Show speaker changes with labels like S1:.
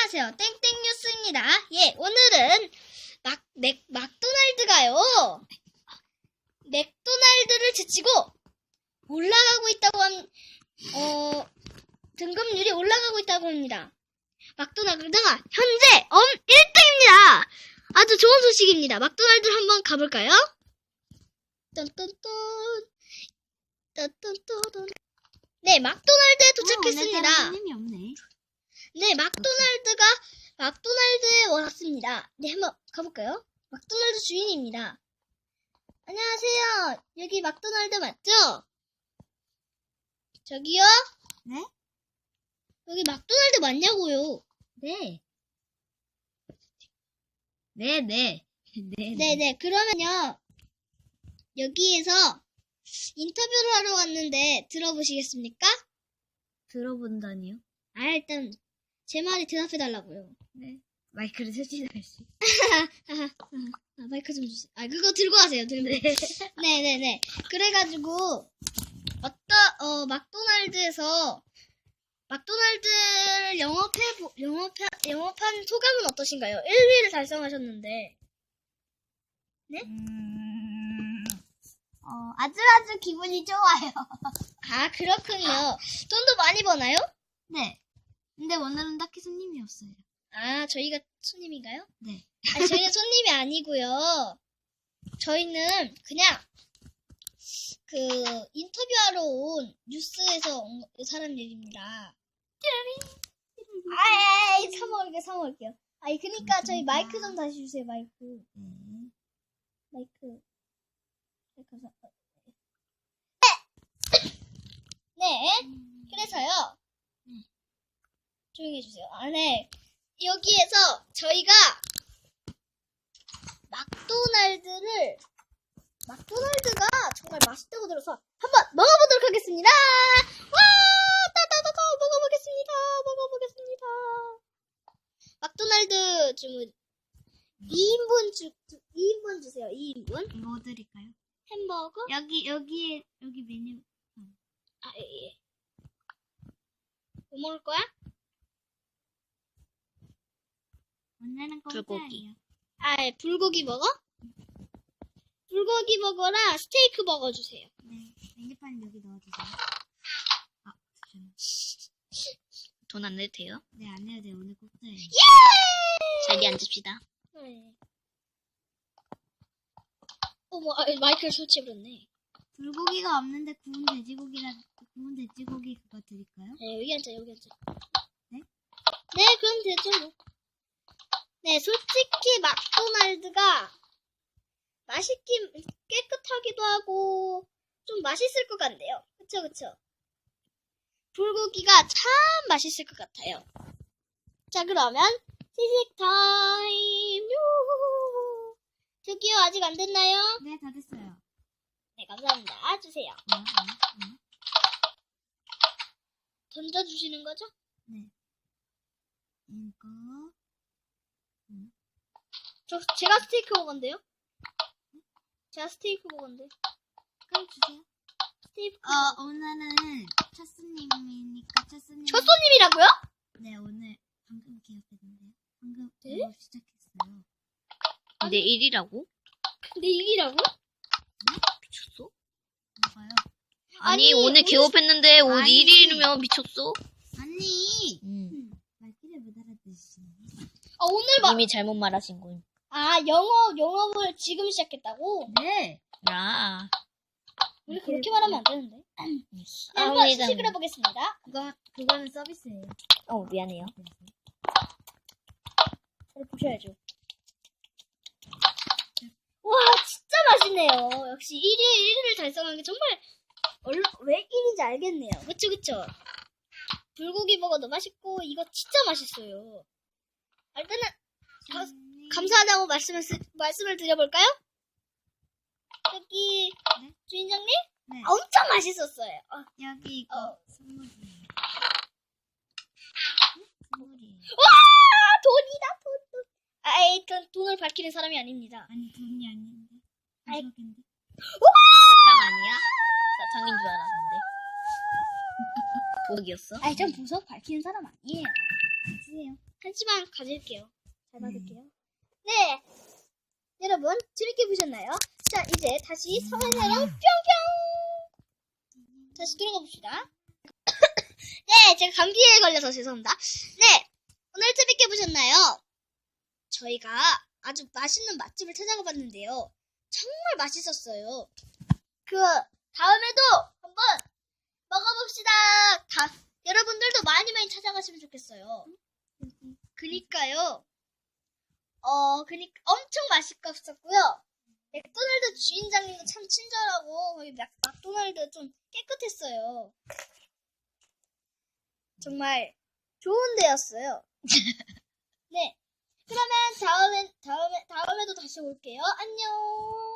S1: 안녕하세요. 땡땡 뉴스입니다. 예, 오늘은 막도날드가요. 맥도날드를 제치고 올라가고 있다고 등급률이 올라가고 있다고 합니다. 막도날드가 현재 1등입니다. 아주 좋은 소식입니다. 막도날드 한번 가볼까요? 딴딴딴. 딴딴딴. 네, 막도날드에 도착했습니다.
S2: 손님이 없네.
S1: 네, 막도날드에 왔습니다. 네, 한번 가볼까요? 막도날드 주인입니다. 안녕하세요. 여기 막도날드 맞죠? 저기요?
S2: 네?
S1: 여기 막도날드 맞냐고요?
S2: 네. 네네.
S1: 네네, 그러면요. 여기에서 인터뷰를 하러 왔는데 들어보시겠습니까?
S2: 들어본다니요?
S1: 일단 제 말에 대답해달라고요.
S2: 네. 마이크를 설치하시.
S1: 마이크 좀 주세요. 그거 들고 가세요. 들고. 네네네. 그래가지고 막도날드에서 막도날드를 영업한 소감은 어떠신가요? 1위를 달성하셨는데. 네?
S2: 아주 기분이 좋아요.
S1: 그렇군요. 돈도 많이 버나요?
S2: 네. 근데 오늘은 딱히 손님이 없어요.
S1: 저희가 손님인가요?
S2: 네.
S1: 저희는 손님이 아니고요. 저희는 그냥 인터뷰하러 온 뉴스에서 온 사람들입니다. 사먹을게요. 그러니까 저희 마이크 좀 다시 주세요, 마이크. 마이크. 감사합니다. 네. 그래서요. 조용히 해주세요. 네. 여기에서 저희가 막도날드가 정말 맛있다고 들어서 한번 먹어보도록 하겠습니다. 와! 따다다다 먹어보겠습니다. 막도날드 주문 2인분 주세요. 2인분.
S2: 뭐 드릴까요?
S1: 햄버거?
S2: 여기 메뉴.
S1: 예. 뭐 먹을 거야?
S2: 오늘은
S3: 불고기.
S2: 공짜예요.
S1: 불고기 버거? 불고기 버거랑 스테이크 버거 주세요.
S2: 네. 메뉴판 여기 넣어주세요.
S3: 돈 안 내도 돼요?
S2: 네, 안 해도 돼요. 오늘 공짜예요.
S3: 자리에 앉읍시다.
S1: 네. 마이크를 설치해버렸네.
S2: 불고기가 없는데 구운 돼지고기 그거 드릴까요?
S1: 네, 여기 앉아.
S2: 네?
S1: 네, 그럼 되죠, 뭐. 네, 솔직히 막도날드가 깨끗하기도 하고 좀 맛있을 것 같네요. 그쵸. 불고기가 참 맛있을 것 같아요. 자, 그러면 시식 타임. 요. 저기요, 아직 안 됐나요?
S2: 네, 다 됐어요.
S1: 네, 감사합니다. 주세요. 던져주시는 거죠?
S2: 네. 이거.
S1: 제가 스테이크 먹었는데요? 제가 스테이크 먹었는데.
S2: 그럼 주세요.
S1: 스테이크.
S2: 오늘은 첫 손님이니까 첫 손님.
S1: 첫 손님이라고요?
S2: 네, 오늘 방금 기억했는데요. 방금
S1: 네?
S2: 영업 시작했어요.
S3: 근데 1위라고?
S1: 근데 이기라고?
S3: 미쳤어?
S2: 뭐가요?
S3: 아니, 오늘
S1: 오늘
S3: 개업했는데 오늘
S2: 아니.
S3: 1위면 미쳤어?
S2: 아니!
S3: 응.
S2: 말귀를 못 알아듣으시네.
S1: 오늘
S3: 이미 잘못 말하신 군.
S1: 영업을 지금 시작했다고?
S2: 네!
S3: 야.
S1: 우리 그렇게 말하면 안 되는데. 네, 한번 시식을 해보겠습니다.
S2: 그거는 서비스예요.
S3: 미안해요.
S1: 저를 보셔야죠. 와, 진짜 맛있네요. 역시 1위를 달성한 게 정말 왜 1위인지 알겠네요. 그쵸. 불고기 버거도 맛있고 이거 진짜 맛있어요. 일단은 감사하다고 말씀을 드려볼까요? 여기
S2: 네?
S1: 주인장님?
S2: 네.
S1: 엄청 맛있었어요.
S2: 여기 이거 선물이에요. 선물이에요.
S1: 와, 돈이다, 돈. 돈을 밝히는 사람이 아닙니다.
S2: 아니, 돈이 아닌데.
S1: 아이.
S2: 가격인데.
S3: 사탕 아니야? 사탕인 줄 알았는데. 보석이었어?
S1: 전 보석 밝히는 사람 아니에요.
S2: 주세요.
S1: 한시만 가질게요. 잘 받을게요. 네. 여러분, 재밌게 보셨나요? 자, 이제 다시 사과사랑 뿅뿅! 다시 들어가 봅시다. 네, 제가 감기에 걸려서 죄송합니다. 네, 오늘 재밌게 보셨나요? 저희가 아주 맛있는 맛집을 찾아가 봤는데요. 정말 맛있었어요. 다음에도 한번 먹어봅시다. 여러분들도 많이 많이 찾아가시면 좋겠어요. 그니까요. 엄청 맛있었고요. 맥도날드 주인장님도 참 친절하고, 거기 맥도날드 좀 깨끗했어요. 정말 좋은 데였어요. 네. 그러면 다음에도 다시 올게요. 안녕.